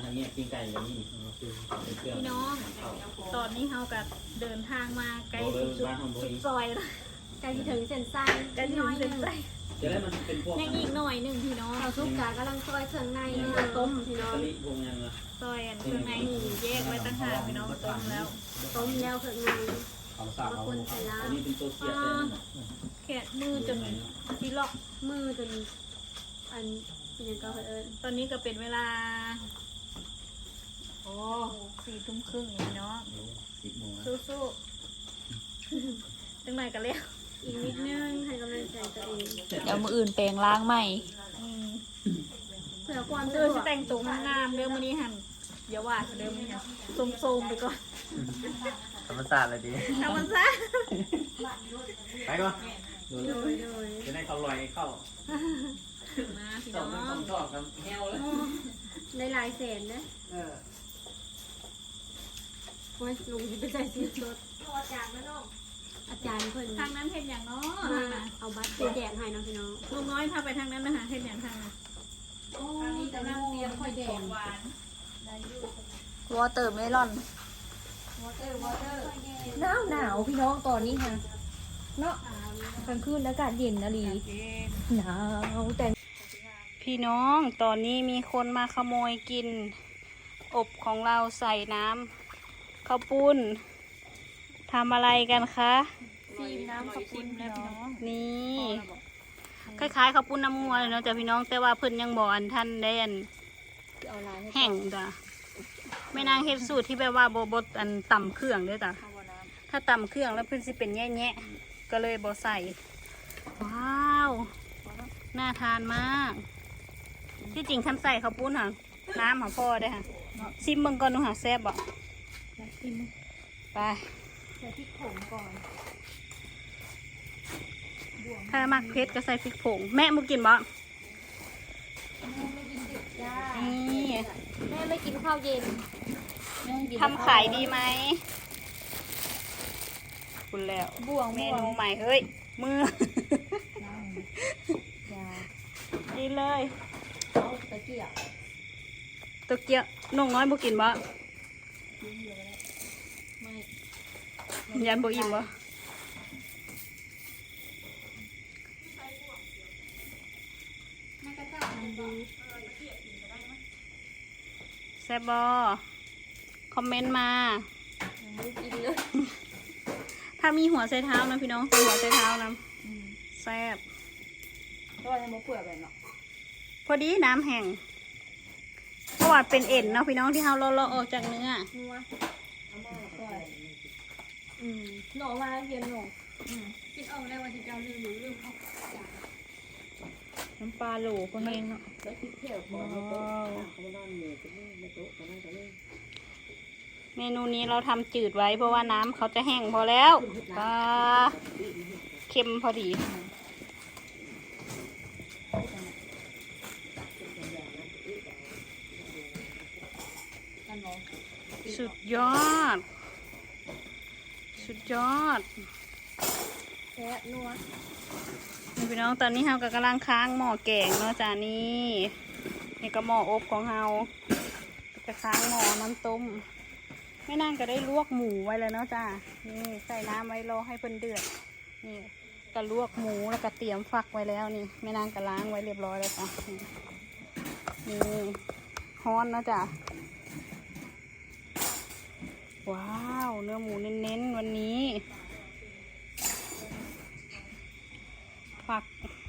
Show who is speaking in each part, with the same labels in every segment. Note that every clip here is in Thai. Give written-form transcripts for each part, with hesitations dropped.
Speaker 1: อันนี้กินไก่อย่างนี้
Speaker 2: พี่น้องตอนนี้เฮากับเดินทางมาไกลสุดซอยแล้ว
Speaker 3: ใกล้ถึงเส้นไส้
Speaker 2: ใกล้ถึงเส้นไส้
Speaker 1: จะได้มันเป็นพวก
Speaker 2: ยังอีกหน่อยหนึ่งพี่น้อง
Speaker 3: เราซุปกากำลังซอยเครื่องในต้มพี่น้อง
Speaker 1: กะลิพวกยังละ
Speaker 2: ซอยอันเครื่องในแยกไว้ต่างหากพี่น้องต้มแล้ว
Speaker 3: ต้มแล้วเครื่องใน
Speaker 1: เขาสาวเขาอันนี้เป็นตัวเสียบเลย
Speaker 2: แค่มือจนที่ล็อก
Speaker 3: มือจนอันเป็นยังก็เอิญ
Speaker 2: ตอนนี้ก็เป็นเวลาโอ้4 ทุ่มครึ่งพี่น้อง
Speaker 1: 10 โมง
Speaker 2: สู้ๆจังไหนกันแล้ว
Speaker 3: อีกนิดนึงให้กำลังใจตัวเอง
Speaker 4: เดี๋ยวมืออื่นแปลงล้างใหม่
Speaker 3: เพื่อความ
Speaker 2: เอ
Speaker 3: สะ
Speaker 2: อ
Speaker 3: ดว
Speaker 2: สิ
Speaker 3: ก
Speaker 2: แต่งตัวงามๆเดี๋ยวมื้อนี้หั่นอย่าว่าเดี๋ยวมื้อนี้โซมๆไปก่อน
Speaker 1: ธรรมศาสตร์เลยดี
Speaker 2: ธรรมชาติ
Speaker 1: ไปก่อน
Speaker 3: โดย
Speaker 1: จะได้เขาลอยเข้า
Speaker 2: มาพี่
Speaker 1: ส
Speaker 2: น้
Speaker 1: อ
Speaker 2: อง
Speaker 1: มันต้องชอบกันแฮวเลย
Speaker 3: ได้หลายแสนนะโอ้ยลุงจะไปใส่ซีสดอาจารย์เพิ่น
Speaker 2: ทางนั้นเห็นอย่างเนาะ
Speaker 3: เอาบัตรไปแจกให้น้องพี่น้อง
Speaker 2: ลุงน้อยพาไปทางนั้นนะคะเห็นอย่างทางนั้น
Speaker 3: ทางนี้กำลังเตรียมค่อยแดง
Speaker 2: หวาน
Speaker 4: วอเตอร์เมลอน
Speaker 5: หนาวพี่น้องตอนนี้ค่ะเนาะกลางคืนอากาศเย็นนะลีหนาวแต่
Speaker 2: พี่น้องตอนนี้มีคนมาขโมยกิน อบของเราใส่น้ำข้าวปุ้นทำอะไรกันคะ
Speaker 4: ซีมน้ำขอบคุณแล้วพี่น้อง
Speaker 2: นี่คล้ายๆข้าวปุ้นน้ำงัวเลยเนาะจ้ะพี่น้องแต่ว่าเพิ่นยังบอกอันท่านได้อันแห้งจ้ะไม่นางเฮ็ดสูตรที่แบบว่าบดอันต่ำเครื่องเด้อจ้ะถ้าต่ำเครื่องแล้วเพิ่นสิเป็นแย่ๆก็เลยบ่ใส่ว้าวน่าทานมากที่จริงคันใส่ข้าวปุ้นค่ะน้ำของพ่อได้อค่ะซิมเบิ่งก่อนดูค่ะแซ่บบ่ไป
Speaker 5: ใส่พริกผงก่อน
Speaker 2: ถ้ามักเผ็ดก็ใส่พริกผงแม่มุกินบ่นี่
Speaker 3: แม่ไม่กินข้าวเย็น
Speaker 2: ทำขายดีไหมคุณแล้วบ่วงเมนูใหม่เฮ้ยมือดีเลย
Speaker 5: เอาตะเกียบ
Speaker 2: ตะเกียบน้องน้อยบุกินบ่ยันบุอิ่มบ่แซ่บบ่คอมเมนต์มา
Speaker 5: กินเลย
Speaker 2: ถ้ามีหัวไชเท้านะพี่น้องใส่หัวไชเท้านะแซ่บ
Speaker 5: ก็ยังบ่เปื่อยเลยเนาะ
Speaker 2: พอดีน้ำแห้งเพราะว่าเป็นเอ็นเนาะพี่น้องที่เราเลาะออกจากเนื้อ
Speaker 5: นัวหน่อมาเย็นหน่อ
Speaker 3: คิดออกได้ว่าที่เจ้าลืมเขา
Speaker 5: น้ำปลาโหลก็แห้งเนาะ
Speaker 2: เมนูนี้เราทำจืดไว้เพราะว่าน้ำเขาจะแห้งพอแล้วปลาเค็มพอดีสุดยอด สุดยอด
Speaker 5: แซ่บนัว
Speaker 2: นี่พี่น้องตอนนี้เราก็กำลังค้างหม้อแกงเนาะจ้านี่นี่ก็หม้ออบของเราจะค้างหม้อน้ำต้มไม่นานก็ได้ลวกหมูไว้แล้วเนาะจ้านี่ใส่น้ำไว้รอให้เพิ่นเดือดนี่ก็ลวกหมูแล้วก็เตรียมฟักไว้แล้วนี่ไม่นานก็ล้างไว้เรียบร้อยแล้วจ้ะนี่ฮ้อนเนาะจ้าว้าวเนื้อหมูเน้นๆวันนี้ฝัก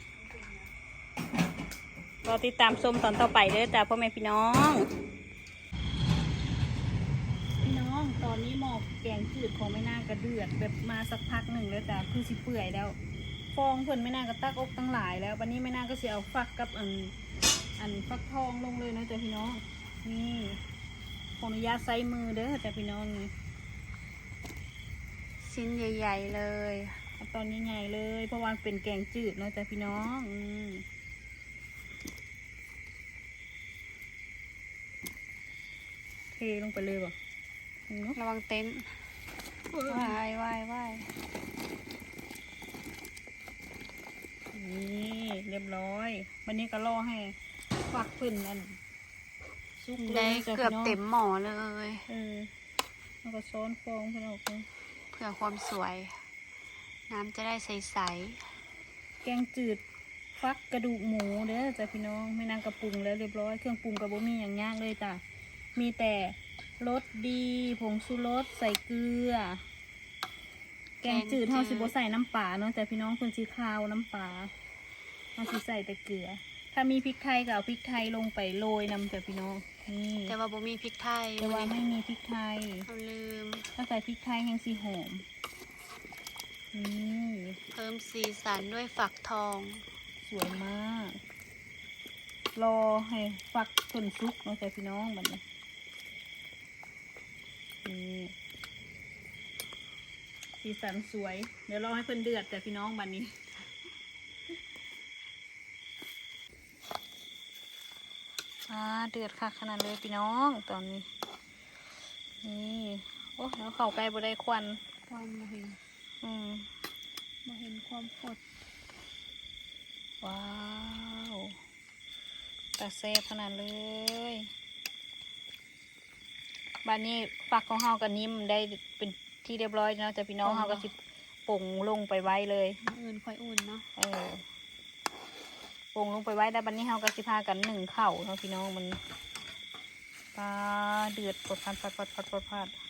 Speaker 2: รอติดตามชมตอนต่อไปเด้อจ้าพ่อแม่พี่น้องพี่น้องตอนนี้หม้อแกงจืดของไม่น่ากระเดือดแบบมาสักพักหนึ่งแล้วจ้าคือสิเปื่อยแล้วฟองเพิ่นไม่น่าก็ตักอกตั้งหลายแล้ววันนี้ไม่น่าก็เสียเอาฟักกับอันฟักทองลงเลยนะจ้าพี่น้องนี่ขออนุญาตใส่มือเด้อจ้าพี่น้องนี่ชิ้นใหญ่ๆเลยตอนใหญ่ๆเลยเพราะว่าเป็นแกงจืดเนาะจ้ะพี่น้องเทลงไปเลยบ่ระวังเต็นท์ว่ายนี่เรียบร้อยวันนี้ก็รอให้ฝักขึ้นนั่นซุก
Speaker 4: ได้
Speaker 2: ลยจ้ะ
Speaker 4: เกือบ
Speaker 2: พี่น้ง
Speaker 4: เต็มหม้อเลย
Speaker 2: แล้วก็ซ้อนฟองพี่น้อง
Speaker 4: เพื่อความสวย น้ำจะได้ใส
Speaker 2: แกงจืดฟักกระดูกหมูเด้อจ้ะพี่น้องแม่นางกระปรุงแล้วเรียบร้อยเครื่องปรุงกระบ่มีอย่างยากเลยจ้ะมีแต่รสดีผงชูรสใส่เกลือ แกงจืดเฮาสิบ่ใส่น้ำปลาเนาะแต่พี่น้องเพิ่นสิคาวน้ำปลาเฮาสิใส่แต่เกลือ ถ้ามีพริกไทยก็เอาพริกไทยลงไปโรยนำจ้ะพี่น้องนี่
Speaker 4: ๆ แต่ว่าบ่มีพริกไทย
Speaker 2: แต่ว่าไม่มีพริกไทย
Speaker 4: เราลืม
Speaker 2: ถ้าใส่พริกไทยยังสิหอมนี่
Speaker 4: เพิ่มสีสันด้วยฝักทอง
Speaker 2: สวยมาก รอให้ฟักจนสุกเนาะจ้ะพี่น้องบัดนี้นี่สีสันสวย เดี๋ยวรอให้เพิ่นเดือดแต่พี่น้องบัดนี้เดือดค่ะขนาดเลยพี่น้องตอนนี้นี่โอ้แล้วเข้าใกล้บ่ได้ควัน
Speaker 3: ความมาเห็น
Speaker 2: มาเห็นความสดว้าวแต่แซ่บขนาดเลยบ้านนี้ฝักของเฮากับนิ่มได้เป็นที่เรียบร้อยเนาะแต่พี่น้องเฮาก็สิป่งลงไปไว้เลย
Speaker 3: อื่นค่อยอุ่นเนาะ
Speaker 2: ป่งลงไปไว้แล้วบัดนี้เฮาก็สิพากันหนึ่งข้าวเนาะพี่น้องมันปลาเดือดปดพัด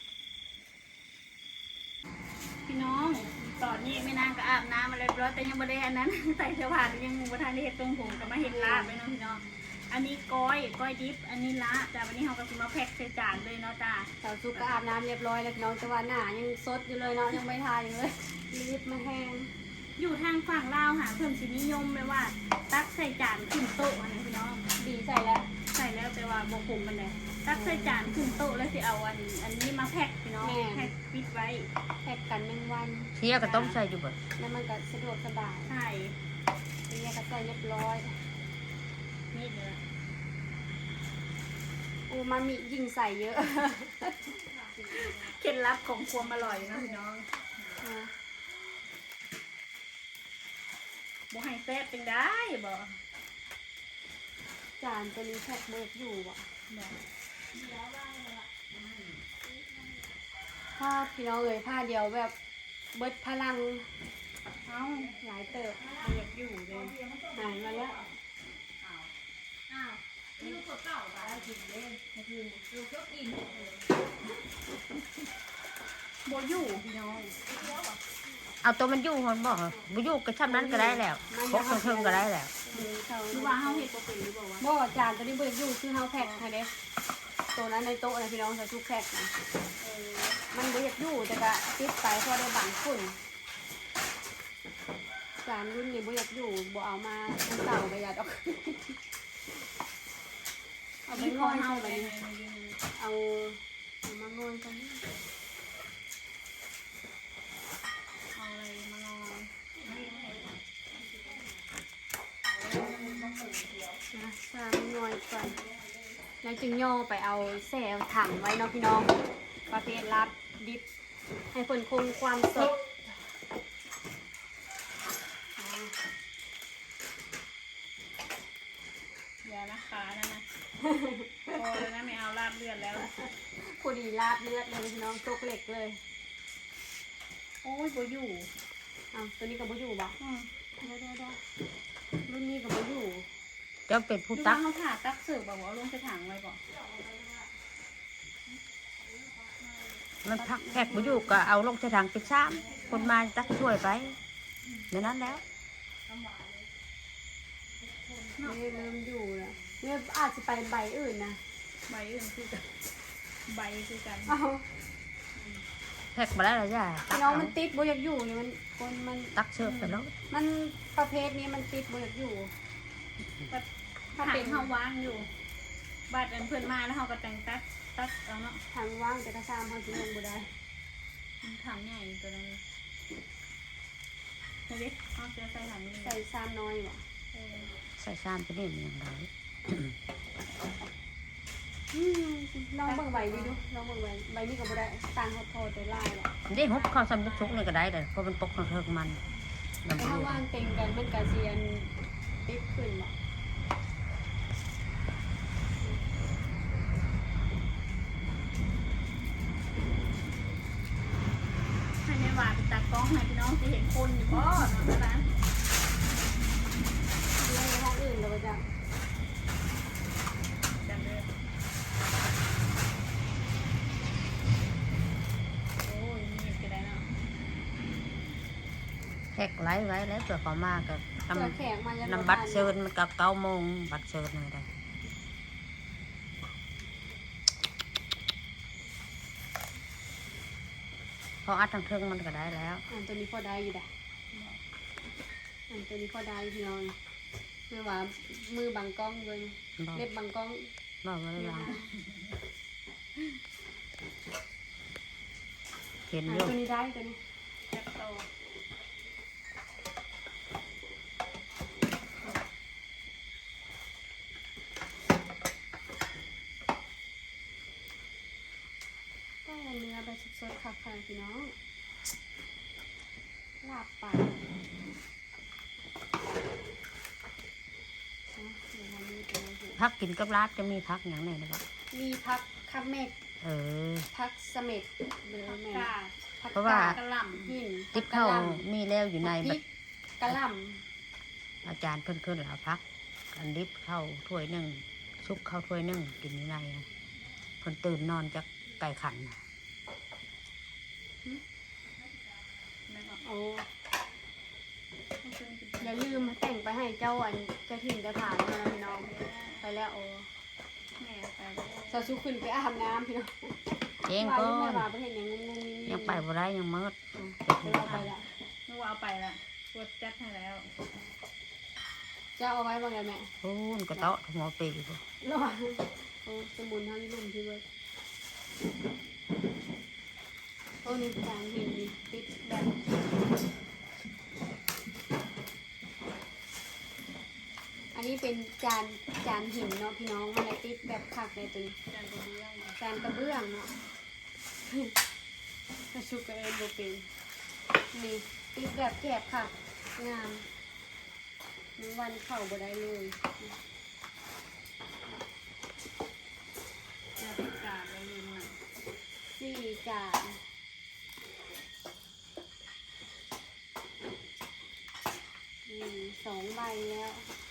Speaker 2: พี่น้องตอนนี้ไม่นานก็อาบน้ำมาเรียบร้อยแต่ยังไม่ได้อันนั้น ใส่เสื้อผ้ายังบ่ทันได้เฮ็ดตรงผมก็มาเฮ็ดลาบเลยเนาะพี่น้องอันนี้ก้อยดิบอันนี้ละแต่วันนี้เราก็สิมาแพ็คใส่จานเลยเนาะจ้า
Speaker 3: สาวซุกก็อาบน้ำเรียบร้อยแล้วพี่น้องแต่ว่าหน้ายังสดอยู่เลยเนาะยังไม่ทาอยู่เลยรีบมาแห้ง
Speaker 2: อยู่ทางฝั่งลาวค่ะเพิ่มสินิยมเลยว่า ตักใส่จานขึ้นโต๊ะอันนี้พี่น้อง
Speaker 3: ดีใส่แล้ว
Speaker 2: ใส่แล้วแต่ว่าบ่คมมันเลยตักใส่จานขึ้นโต๊ะแล้วสิเอาอันนี้มาแพ็คพี่น้องแพ็คปิดไว้
Speaker 3: แพ็กกัน1 วัน
Speaker 5: เที่ยก็ต้องใส่อยู่บ่
Speaker 3: แล้วมันก็สะดวกสบาย
Speaker 2: ใช่
Speaker 3: เรียกก็ใส่เรียบร้อย
Speaker 2: นี่เด้อ
Speaker 3: อูมามิยิ่งใส่เยอะ
Speaker 2: เคล็ดลับของความอร่อยเนาะพี่น้องบ่ให้แซ่บเป็นได้บ่
Speaker 3: จานตัวนี้แพ็กเบิกอยู่อ่ะผ้าพี่น้องเลยผ้าเดียวแบบเบิดพลัง
Speaker 2: เอ้า
Speaker 3: หลายเติบ
Speaker 2: บ่อยากอยู่เลย
Speaker 3: หายมาแล้ว
Speaker 2: บ่อยู่พี่น้อง
Speaker 5: เอาตัวมันอยู่คนบ่บ่อยู่ก็ช่ำนั้นก็ได้แล้วพกเครื่องก็ได้แล้ว
Speaker 2: คือว่าเฮาเฮ็ดบ่เป็นหรือบ่วะ
Speaker 3: บ่จานตัวนี้เบิดอยู่คือเฮาแพ็กให้เด้ตัวนั้นในโต๊ะนะพี่น้องใส่ทุกแพ็กนะมันบ่อยากอยู่แต่ก็ติดไปเพราะได้บังฝุ่นจานรุ่นนี้บ่อยากอยู่บ่เอามาตั้งเต่าก็อย่าดอก เอาไปง่อยใส่ไปเอามางอยกัน
Speaker 2: เอาอะไรมาลอง
Speaker 3: นะสร้างง่อยก่อนแล้วจึงย่อไปเอาแซ่ถังไว้เนาะพี่น้องประเภทรัดดิบให้เพิ่นคงความสด
Speaker 2: อย่านะคะนั่นนะพอแล้วนะไม่เอาลาบเลือดแล้ว
Speaker 3: พอดีลาดเลือดเลยพี่น้องตกเหล็กเลย
Speaker 2: โอ้ยบ่อยู่
Speaker 3: อ้าวตัวนี้กับบ่อยู่บ่
Speaker 2: เดี๋ยว
Speaker 3: รุ่นนี้กับบ่อยู่
Speaker 5: เจ้าเป็ด
Speaker 2: ๆ
Speaker 5: ผู้
Speaker 2: ดู
Speaker 5: ตั
Speaker 2: ว่าก เขาผ่าตักเสิร์ฟบอกว่าลงใส่ถังไว้ก่อน
Speaker 5: มันพักแขกบ่อยู่ก็เอาลงใส่ถังไปซ้ำคนมาตักช่วยไปในนั้นแล้ว
Speaker 3: นี่เริ่มอยู่แล้วเนี่ยอาจจะไปใบอื่นนะ
Speaker 2: ใบอื่นคือกันใบคือกัน
Speaker 3: อ้าว
Speaker 5: แขกมาได้แล้วจ้ะตัก
Speaker 3: น้อง
Speaker 5: เอา
Speaker 3: มันติดบ่อยากอยู่นี่มันคนมัน
Speaker 5: ตักเชิญไปแล้ว
Speaker 3: มันประเภทนี้มันติดบ่อยากอยู่
Speaker 2: ถ้าเป็นเฮาว่างอยู่บัดอันเพื่อนมาแล้วเฮาก็แต่งตักเอาเนาะ
Speaker 3: ทางว่างแต่ถ้าซ้ำเขาสิลงบ่ได้
Speaker 2: ถังใหญ่ตัวนั้นเฮ้ยเอาเสื้อใส่ถังนี้
Speaker 3: ใส่ซ้ำน้อยบ่
Speaker 5: ใส่ซ้ำไปนี่มันยังไง
Speaker 3: ลองเบิ่งใบนี้ดูลองเบิ่งใบนี้ก็บ่ได้ต่างเขาโทษแต่ลายหรอก
Speaker 5: ได้ฮุบเข้าซ้ำทุกนี่ก็ได้แต่เพราะมันตกของเธอมัน
Speaker 3: แต่ถ้าว่างเต็งกันมันก็สิอันติดขึ้นบ่
Speaker 2: จะเห็นคนอยู่บ่เนาะนะ
Speaker 3: ในห้องอื่นเราจะ
Speaker 2: จำเลยโอ้ยมีก็ได้เนาะ
Speaker 6: แขกไล่ไว้แล้วเผื่อเขามากับ
Speaker 3: เปิดแขกมาจะ
Speaker 6: นำบัตรเชิญมันกับ9 โมงบัตรเชิญเลยได้พออัดทางเทิงมันก็ได้แล้ว
Speaker 3: ตัวนี้พอได้อยู่ได้ตัวนี้พอได้พี่น้องไม่ว่ามือบังกล้องเลย
Speaker 6: บอก
Speaker 3: เล็บบังกล้อง
Speaker 6: บอกว่าอะไรเห็นอยู่
Speaker 3: ตัวนี้ได้ตัวนี้
Speaker 2: แซ่บโต
Speaker 3: ก็เนื้อแบบสดๆค่ะพี่น้องลาบปลา
Speaker 6: พักกินกับลาบจะมีพักอย่างไหนนะครับ
Speaker 3: มีพักคับเมก
Speaker 6: เออ
Speaker 3: พักเสม็ดหรือแม่
Speaker 2: กา
Speaker 3: พัก
Speaker 6: เพราะว่า
Speaker 2: กะหล่ำ
Speaker 3: หิน
Speaker 6: ติ๊บเข้ามีแล้วอยู่ใน
Speaker 3: พ
Speaker 6: บั
Speaker 3: ริ
Speaker 6: ด
Speaker 3: กกะหล่
Speaker 6: อาจารย์เพิ่นๆแล้วพักอันดิบเข้าถ้วยหนึ่งซุปเข้าถ้วยหนึ่งกินอยู่ในนะเพิ่นตื่นนอนจากไก่ขันน่ะ
Speaker 3: ำโอ้อย่าลืมแต่งไปให้เจ้าอันเจ้าถิ่นเจ้าฐานนะพี่น้องไปแล้วโอ้
Speaker 2: แม่ไปเลย
Speaker 3: สาวสุขึ้นไปอาบน้ำพี่น้อง
Speaker 6: เอง
Speaker 3: ว่า
Speaker 6: ก็
Speaker 3: อยู่แม่ว่าประเทศยังงงๆ
Speaker 6: ยังไปบ่ได้ยังมืด
Speaker 3: เราไปละ
Speaker 2: นึกว่าเอาไปละกดจัดให้แล้ว
Speaker 3: เจ้าเอาไว้บ้างไงแม่
Speaker 6: โอ้นก็เตาะหัวปีก
Speaker 3: ระหว่างโอ้สมุนทั้งลุ่มที่เบิร์ดโอ้นี่จานหินนี่ติดแบบอันนี้เป็นจานหินเนาะพี่น้องมันเลยติดแบบคักเลยตัวนี้
Speaker 2: จานกระเบื้อง
Speaker 3: จานกระเบื้องเนาะกระชุกกระเอ็นโบเป็นนี่ติดแบบแกบค่ะงามหนึ่งวันเข่าบ่ได้เลย
Speaker 2: จะติดกาดแล้วลืมมัน
Speaker 3: 4 จาน2 ใบแล้ว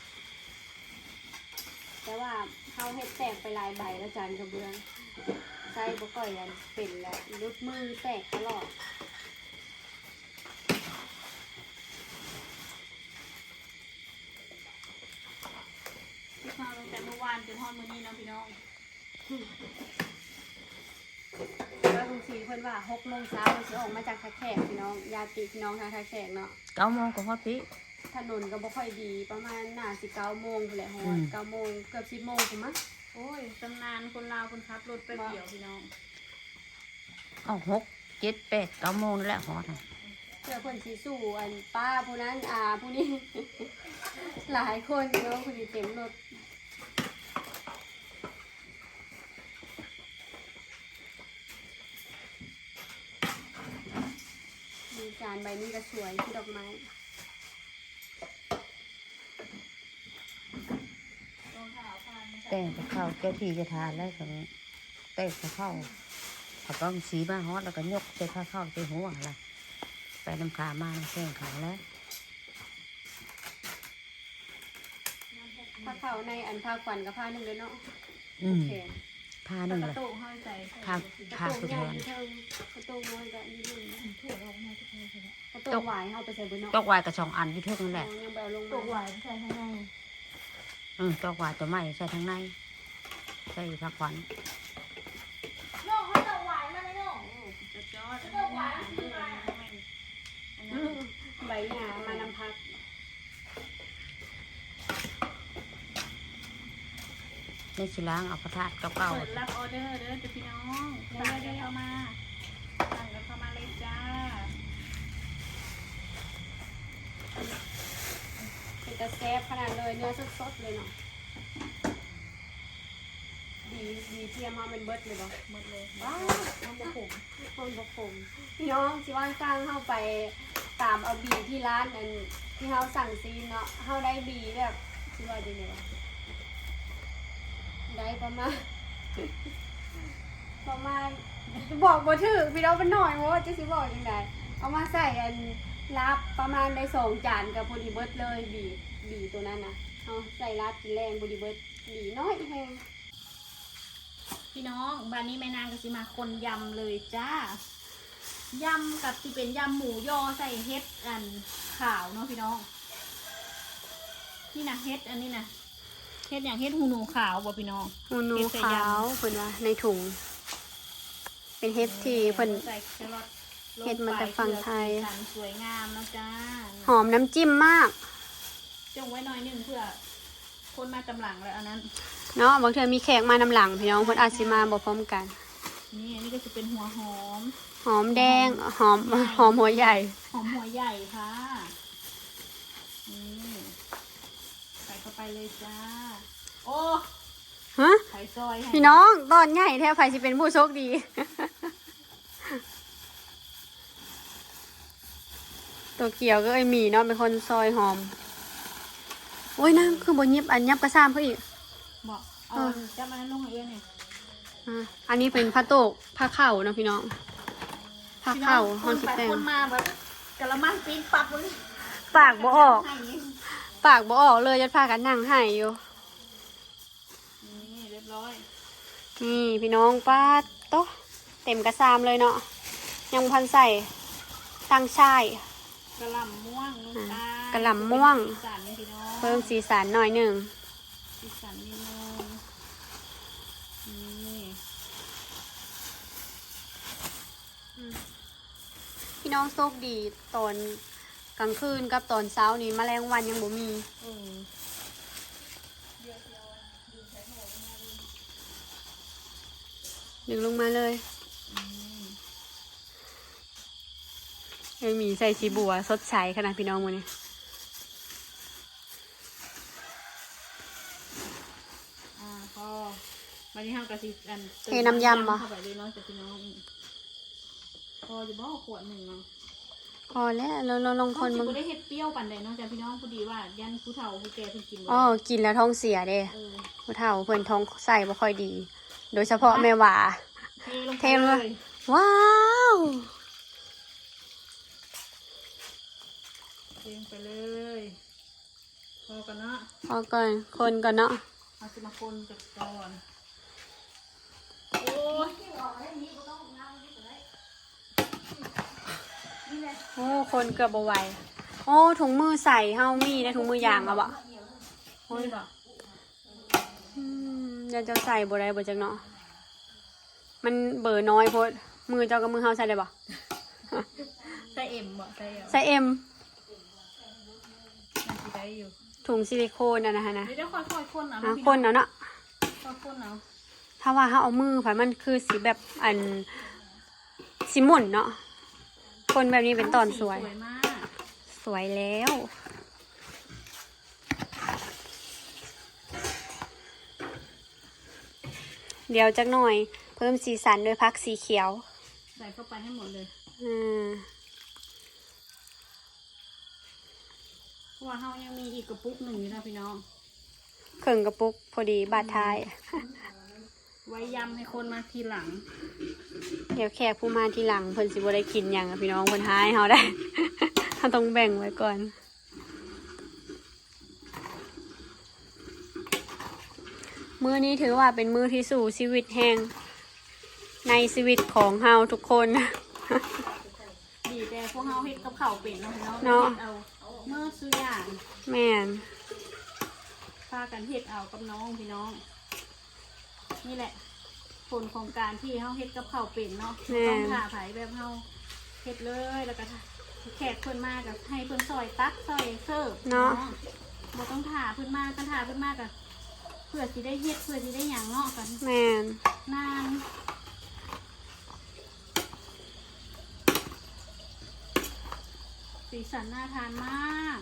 Speaker 3: แต่ว่าเขาเห็ดแตกไปหลายใบแล้วจานกระเบื้องใส่บ่ก่อยอันเป็นแล้วรุดมือแตกตลอด
Speaker 2: ที่มาตั้งแต่เมื่อวานจนทอดมื้อนี้เนาะพี่น้อง
Speaker 3: แล้วลุงศรีเพิ่นว่า6 โมงเช้าเราจะออกมาจากท่าแขกพี่น้องญาติพี่น้องทางท่าแขกเนาะ
Speaker 6: 9 โมงก็ฮอดปี
Speaker 3: ถนนก็บ่ค่อยดีประมาณน่าสิ9 โมงพุ่นแหละฮอด9 โมงเกือบ10 โมงพุ่นมั้ง
Speaker 2: โอ้ยตำนานคนลาวคนขับรถไปเกี่ยวพี่น้อง
Speaker 6: เอา6 7 8 9 โมงนั่นแหละฮอดน่ะ
Speaker 3: เพื่อเพิ่นสิสู้อันป้าผู้นั้นผู้นี้ หลายคนเนาะผู้ที่เต็มรถมีจานใบนี้ก็สวยที่ดอกไม้
Speaker 6: แต่งกับข้าวเจ้าที่จะทานแล้วก็แต่งกับข้าวเขาก็สีมาฮอดแล้วก็ยกใส่ข้าวเข้าใส่หัวอะไรไปน้ำขามาแข่งขาแล้ว
Speaker 3: ผ้าขาวในอันผ้าขวัญกับผ้าหนึ่งเลยเนาะ
Speaker 6: อืม
Speaker 3: แขน
Speaker 6: ผ้าหนึ่ง
Speaker 2: กระ
Speaker 6: เลย
Speaker 2: ตุกห้อยใจ
Speaker 6: ผ้าก
Speaker 3: ระ
Speaker 6: ผ้า
Speaker 3: โต
Speaker 6: สุ
Speaker 3: ก
Speaker 6: ด
Speaker 3: ใหญ่
Speaker 6: แทน
Speaker 3: ที่เทิงกระโตกน้อยก็นี่นึงกระโตกหวายเอาไปใส่บนเนาะ
Speaker 6: จอกวายกับ2 อันอยู่เท่านั้นแหละ
Speaker 3: ยังแบบลง
Speaker 5: ตกห
Speaker 3: มาว
Speaker 5: านใส่ข้างใน
Speaker 6: จอกวายตัวใหม่ใส่ทั้งในใส่ผักหวาน
Speaker 5: น้องเขาตกหวานมาเลยน้อง
Speaker 2: จะจอดอันนี้นะอันนี้
Speaker 3: ใบหญ้ามานำพัก
Speaker 6: ในสิล้างเอาพระธาตุเก่า
Speaker 2: เปิดรับออเดอร์เด้อจ้ะพี่น้องสั่งกันเข้ามาสั่งกันเข้ามาเลยจ้า
Speaker 3: เป็นตะแซบขนาดเลยเนื้อสดๆเลยเนาะดีเทียมมาเป็นเบิดเลยบ่
Speaker 2: หมดเลย
Speaker 3: ว้าวน้ำบะผมคนบะผมพี่น้องสิว่าสร้างเข้าไปตามเอาบีที่ร้านอันที่เขาสั่งซีนเนาะเขาได้บีแบบสิว่าจังได๋วะได้ประมาณ บอกบ่ถูกพี่น้องมันหน่อยว่าจะสิบอกจังไดเอามาใส่อันลาบประมาณได้2 จานกับพอดีเบิดเลยบีตัวนั้นนะเอาใส่ลาบกินแรงพอดีเบิดบีน้อยแห้ง
Speaker 2: พี่น้องบ้านนี้แม่นางก็สิมาคนยำเลยจ้ายำกับที่เป็นยำหมูยอใส่เฮ็ดอันขาวเนาะพี่น้องนี่นะเฮ็ดอันนี้นะเฮ็ดอย่างเฮ็ดหูหนูขาวบ่พี่น้อง
Speaker 3: หูหนูขาวเพิ่นว่าในถุงเป็นเฮ็ดที่เพิ่น
Speaker 2: ใส่แครอท
Speaker 3: เฮ็ดมาจากฝั่งไทย
Speaker 2: สีสันสวยงามแล้วจ้า
Speaker 3: หอมน้ำจิ้มมาก
Speaker 2: จงไว้หน่อยหนึงเพื่อคนมาตำหลังแล้วอันนั้น
Speaker 3: เนาะบางเทื่อมีแขกมานำหลังพี่น้องเพิ่นอาจสิมาบ่พร้อมกัน
Speaker 2: นี่อันนี้ก็จะเป็นหัวหอม
Speaker 3: หอมแดงหอมหัวใหญ่
Speaker 2: หอมหัวใหญ่ค่ะนี่ใส่เข้าไปเลยจ้าโอ้
Speaker 3: ฮะ
Speaker 2: ไข่ซอยให้
Speaker 3: พี่น้องตอนใหญ่แท้ไผสิเป็นผู้โชคดี ตัวเกี่ยวก็ไอหมีเนาะเป็นคนซอยหอมโอ้ยนั่งคือบนยิบอันยับกระซ้ำเขาอีก
Speaker 2: บอกเอาจะมาลงให้เอื้อนเนี่ย
Speaker 3: อันนี้เป็นผ้าโตกผ้าเข่าเนาะพี่น้องผ้าเข่า
Speaker 2: ค
Speaker 3: ห้อง
Speaker 2: น
Speaker 3: สิ
Speaker 2: ไป
Speaker 3: แตง
Speaker 2: คนมาแบบกะละมังปีนปับเลย
Speaker 3: ปากบ่ออก
Speaker 2: ให้นี่
Speaker 3: ปากบ่ออกเลยยัดพากันนั่งให้อยู่
Speaker 2: นี่เรียบร้อย
Speaker 3: นี่พี่น้องป้าโต๊ะเต็มกระซามเลยเนาะยังพันใส่ตั้งช่าย
Speaker 2: กะหล่ำม่วงลูกตาล
Speaker 3: กะหล่ำม่วง
Speaker 2: สีสันนี่พี่น้อง
Speaker 3: เพิ่มสีสันหน่อยหนึ่ง
Speaker 2: สีสันนิดนึงนี่
Speaker 3: พี่น้องโชคดีตอนกลางคืนกับตอนเช้านี้แมลงวันยังบ่มีดึงลงมาเลยไอหมีใส่สีบัวสดใสขนาดพี่น้องวันนี้
Speaker 2: พอวันนี้ห้ามกระซิบอัน
Speaker 3: เทน้ำยำบ่
Speaker 2: เข้าไปเลยเนาะจ้ะพี่น้องพอจะบอกขวดหนึ่งเนาะ
Speaker 3: พอแล้วเราลองคน
Speaker 2: มั
Speaker 3: มึ
Speaker 2: น
Speaker 3: ง
Speaker 2: ได้เฮ็ดเปรี้ยวปันใดเนาะจ้ะพี่น้องพอดีว่ายันผู้เฒ่าผู้แก่เพิ่นกินบ่
Speaker 3: อ๋อกินแล้วท้องเสียเด้
Speaker 2: เออ
Speaker 3: ผู้เฒ่าเพิ่นท้องใส่บ่ค่อยดี โดยเฉพาะแม่หว่า
Speaker 2: เทลงไปเลย
Speaker 3: ว้าว
Speaker 2: เทลงไปเลยพอกันเนาะ
Speaker 3: พอก่อนคนก่อนเนาะ
Speaker 2: เอาสิมาคนจัดก่อนโอ้ย
Speaker 3: โอ้คนเกือบบ่ไหวโอ้ถุงมือใส่เฮามีได้ถุงมือยางเอาบ่
Speaker 2: โอ้ยบ่
Speaker 3: เดี๋ยวจะใส่บ่ได้บ่จักเนาะมันเบอร์น้อยโพดมือเจ้ากับมือเฮาใส่ได้บ่
Speaker 2: ใส่เอ็มบ่ใส่เอ็ม
Speaker 3: ใส่เอ็ม
Speaker 2: มันสิได้อยู่
Speaker 3: ถุงซิลิโคนนะฮะนะ
Speaker 2: เดี๋ยวค่อยๆคนเอา
Speaker 3: อ่ะ
Speaker 2: พี่
Speaker 3: คนเอาเนาะ
Speaker 2: ค่อยๆคนเอา
Speaker 3: ถ้าว่าเฮาเอามือผ่านมันคือสีแบบอันสีหม่นเนาะคนแบบนี้เป็นตอนสวย
Speaker 2: สวยมาก
Speaker 3: สวยแล้ว เดี๋ยวจักหน่อยเพิ่มสีสันด้วยพักสีเขียว
Speaker 2: ใส่เข้าไปให้หมดเลย
Speaker 3: อ่า
Speaker 2: เพราะว่าเฮายังมีอีกกระปุกหนึ่งอยู่นะพี่น้อง
Speaker 3: เครื่องกระปุกพอดีบาดท้าย
Speaker 2: ไว้ยำให้คนมาทีหลัง
Speaker 3: เดี๋ยวแขกผู้มาทีหลังเพิ่นสิบ่ได้กินหยังอะพี่น้องเพิ่นหายเฮาได้ เฮาต้องแบ่งไว้ก่อน มื้อนี้ถือว่าเป็นมื้อที่สู่ชีวิตแห่งในชีวิตของเฮาทุกคน
Speaker 2: ดีแต่พวกเฮาเฮ็ดกับข้าวเป็นเนาะพี่น้อง
Speaker 3: เนาะ
Speaker 2: เฮ็ดเอาเมื่อซื้ออย่าง
Speaker 3: แม่น
Speaker 2: พากันเฮ็ดเอากับน้องพี่น้อง นี่แหละ ผลของการที่เฮาเฮ็ดกับข้าวเป็นเนาะต้องถ่าไผแบบเฮาเฮ็ดเลยแล้วก็แขกเพิ่นมากับให้เพิ่นซอยตักซอยเสิร์ฟบ่ต้องถ่าเพิ่นมากันถ่าเพิ่นมากับเพื่อสิได้เฮ็ดเพื่อสิได้หยังเนาะกัน
Speaker 3: แม่น
Speaker 2: นานสีสันน่าทานมาก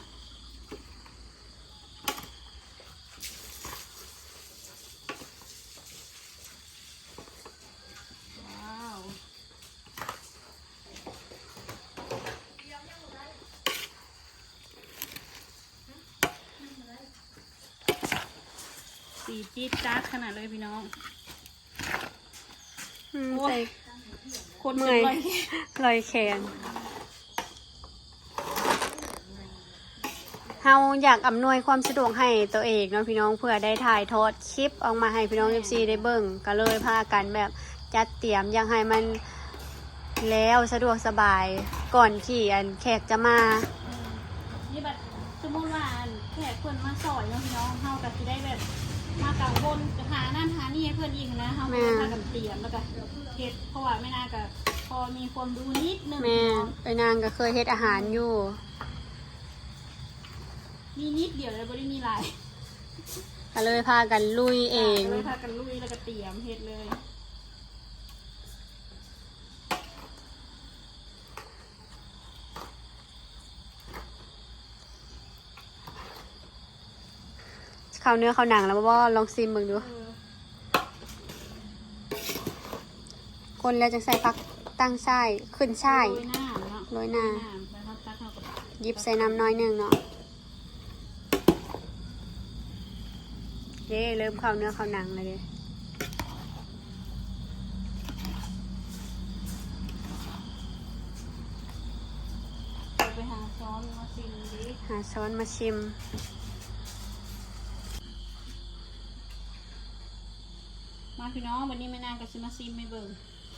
Speaker 2: ว้าวสีจี๊ดจ๊าดขนาดเลยพี่น้อง โอ้ย
Speaker 3: ใส่
Speaker 2: คน
Speaker 3: เมื่
Speaker 2: เมื่
Speaker 3: อ
Speaker 2: อย ย
Speaker 3: ลอยแขนเฮาอยากอำนวยความสะดวกให้ตัวเองเนาะพี่น้องเพื่อได้ถ่ายทอดคลิปออกมาให้พี่น้อง FC ได้เบิ่งก็เลยพากันแบบจัดเตรียมอยากให้มันแล้วสะดวกสบายก่อนที่อันแขกจะมา
Speaker 2: นี่แบบสมมติว่าแขกเพื่อนมาสอยเนาะพี่น้องเฮาก็สิได้แบบมากังวลหานั่นหานี่ให้เพื่อนอีกนะเฮาก็พากันเตรียมแล้วก็เฮ็ดเพราะว่าไม่น่าก็พอมีความรู้นิดนึง
Speaker 3: แม่ไปนางก็เคยเฮ็ดอาหารอยู่
Speaker 2: มีนิดเดียวเลยบ่ได้มีหลาย
Speaker 3: ก็เลยพากันลุยเอง
Speaker 2: เลยพากันลุยแล้วก็เตรียมเฮ็ดเลย
Speaker 3: ข้าวเนื้อข้าวหนังแล้วบ่ลองซิมเบิ่งดูคนแล้วจะใส่ผักตั้งไส้ขึ้นไส้
Speaker 2: โรยหน้าเนาะ
Speaker 3: โรยหน้า
Speaker 2: แล้วก็ตักเข้ากับ
Speaker 3: หยิบใส่น้ำน้อยหนึงเนาะเด้เริ่มข้าวเนื้อข้าวหนังเลยเด้
Speaker 2: ไปหาซ้อนมาซิมดิ
Speaker 3: หาช้อนมาชิม
Speaker 2: มาพี่น้องวันนี้ไม่นานก็สิมาซิมไม่เบิ่ง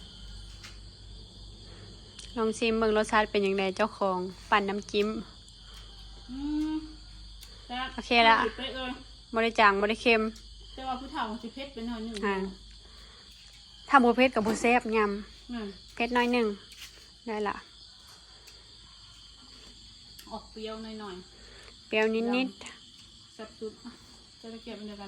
Speaker 3: ลองชิมเบิ่งรสชาติเป็นยังไงเจ้าของปั่นน้ำจิ้ม
Speaker 2: แล้ว
Speaker 3: โอเคละ
Speaker 2: ไปเอ้ย
Speaker 3: บ่ได้จางบ่ได้เค็ม
Speaker 2: แต่ว่าผู้เฒ่ามันสิเผ็ดไปหน่อยหนึง
Speaker 3: อ่าถ้าบ่เผ็ดกับบ่แซ่บยำ
Speaker 2: นั่น
Speaker 3: เผ็ดน้อยหนึงได้ละ
Speaker 2: ออกเปรี้ยวหน่อย
Speaker 3: เปรี้ยวนิด
Speaker 2: ๆแซ่บสุดอ่ะจะได้เก็บเป็นเดียวกัน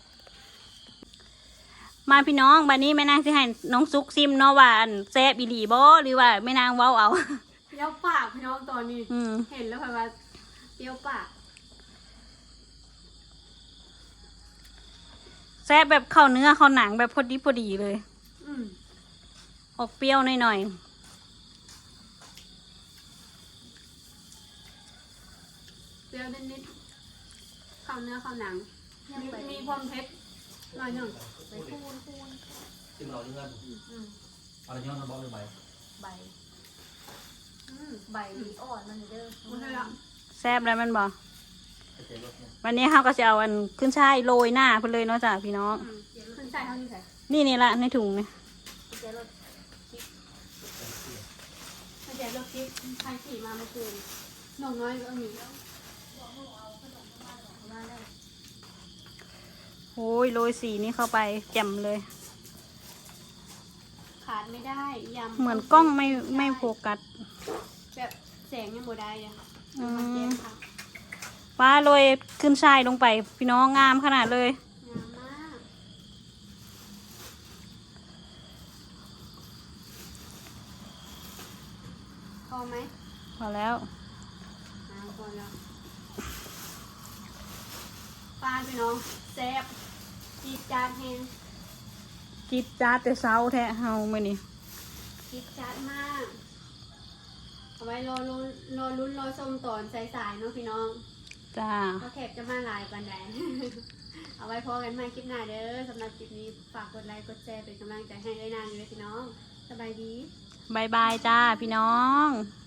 Speaker 2: มาพี่น้องบัดนี้แม่นางสิให้น้องซุกซิมเนาะว่าอันแซ่บอีหลีบ่หรือว่าแม่นางเว้าเอา
Speaker 3: ๆเปรี้ยวปากพี่น้องตอนนี้
Speaker 2: อืม
Speaker 3: เห็นแล้วค่ะว่าเปรี้ยวปาก
Speaker 2: แซ่บแบบเข้าเนื้อเข้าหนังแบบพอดีพอดีเลย
Speaker 3: อืม
Speaker 2: ออกเปรี้ยวหน่อย
Speaker 3: เปรี้ยวนิดๆข้าวเนื้อข้าวหนังมีความเผ็ดหน่อยหนึง
Speaker 1: จิ้มเราเลือดเอาอะไรย้อนมาบอกเลยใบ
Speaker 5: ใบอ่อนมันเด้อ
Speaker 3: บ่ได้ละ
Speaker 2: ๆแซ่บแล้วแมันบ่
Speaker 1: ไปเจอรถเนี่ย
Speaker 2: วันนี้เฮาก็จะเอาอันขึ้นช่ายโรยหน้าเพิ่นเลยเนาะจ้ะพี่น้อง
Speaker 3: ขึ้นใส่เท่านี้ใส่
Speaker 2: นี่ละในถุงนี่
Speaker 3: ไม่ใช่รถกิ๊บใครขี่มาเมื่อคืนน้องน้อยก็มี
Speaker 2: โอ้ยโรยสีนี่เข้าไปแจ่มเลย
Speaker 3: ขาดไม่ได้ยำ
Speaker 2: เหมือนกล้องไม่โฟกัส
Speaker 3: แบบแสงยังบ่ได้เลย
Speaker 2: อื
Speaker 3: มันเจ็
Speaker 2: ม
Speaker 3: บค่ะ
Speaker 2: ว่าโรยขึ้นช่ายลงไปพี่น้องงามขนาดเลย
Speaker 3: งามมากพอไหม
Speaker 2: พอแล้ว
Speaker 3: พอแล้วปลาพี่น้องแซ่บจีดจาดแฮง
Speaker 2: กิดจ้าดแต่เช้าแท้เฮามื้อนี้
Speaker 3: จีดจาดมากเอาไว้รอลุ้นรอชมตอนสายๆเนาะพี่น้อง
Speaker 2: จ้า
Speaker 3: ก็แขกจะมาหลายปันแดน เอาไว้พอกันใหม่คลิปหน้าเด้อสำหรับคลิปนี้ฝากกดไลค์กดแชร์เป็นกำลังใจให้ด้วยนางอยู่ด้วยพี่น้องสบายดี
Speaker 2: บายบายจ้าพี่น้อง